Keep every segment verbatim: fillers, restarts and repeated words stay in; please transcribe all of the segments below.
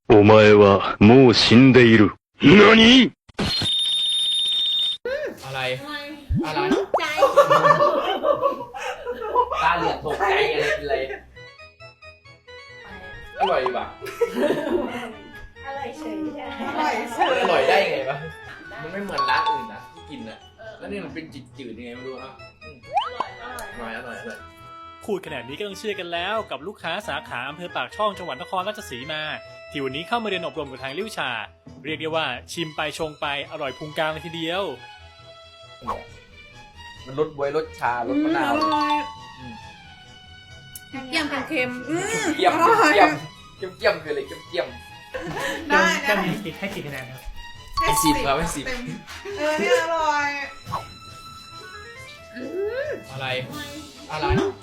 お前はもう死んでいる。何？ อะไร อะไรใจตาเหลือกตกใจอะไรเป็นไร อร่อยป่ะอร่อยเฉยใช่อร่อยเฉยอร่อยได้ไงวะมันไม่เหมือนร้านอื่นนะที่กินอะแล้วนี่มันเป็นจืดๆยังไงไม่รู้ครับอืมอร่อย อร่อย อร่อยพูดขนาดนี้ก็ต้องเชื่อกันแล้วกับลูกค้าสาขาอำเภอปากช่องจังหวัดนครราชสีมาที่วันนี้เข้ามาเรียนอบรมกับทางลิ้วชา เรียกได้ว่าชิมไปชงไปอร่อยพุงกลางเลยทีเดียวมันรสบวยรสชารสมะนาวอร่อยอืมเกี่ยมเค็มๆอืมเกี่ยมอร่อยเกี่ยมเกี่ยมเกี่ยมคืออะไรเกี่ยมเกี่ยมได้ได้ให้กี่คะแนนครับให้สิบครับให้สิบเต็มเออเนี่ยอร่อยอะไร อะไรใจ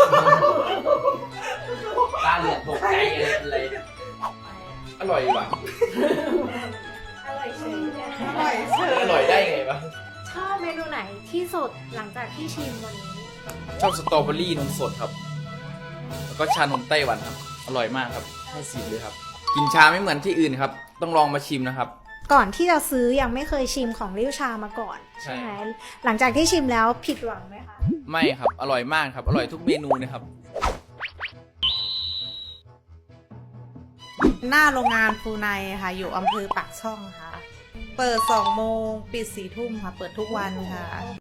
ตาเหลือกตกใจอะไรเป็นไร อร่อยป่ะอร่อยเฉยใช่อร่อยเฉยอร่อยได้ไงวะชอบเมนูไหนที่สุดหลังจากที่ชิมวันนี้ชอบสตรอเบอรี่นมสดครับ แล้วก็ชานมไต้หวันครับ อร่อยมากครับ ให้สิบเลยครับ กินชาไม่เหมือนที่อื่นครับ ต้องลองมาชิมนะครับก่อนที่จะซื้อยังไม่เคยชิมของริ้วชามาก่อนใช่ใช่ไหมหลังจากที่ชิมแล้วผิดหวังไหมคะไม่ครับ อร่อยมากครับ อร่อยทุกเมนูนะครับหน้าโรงงานฟูไนค่ะ อยู่อำเภอปากช่องค่ะ เปิดสองโมงปิดสี่ทุ่มค่ะ เปิดทุกวันค่ะ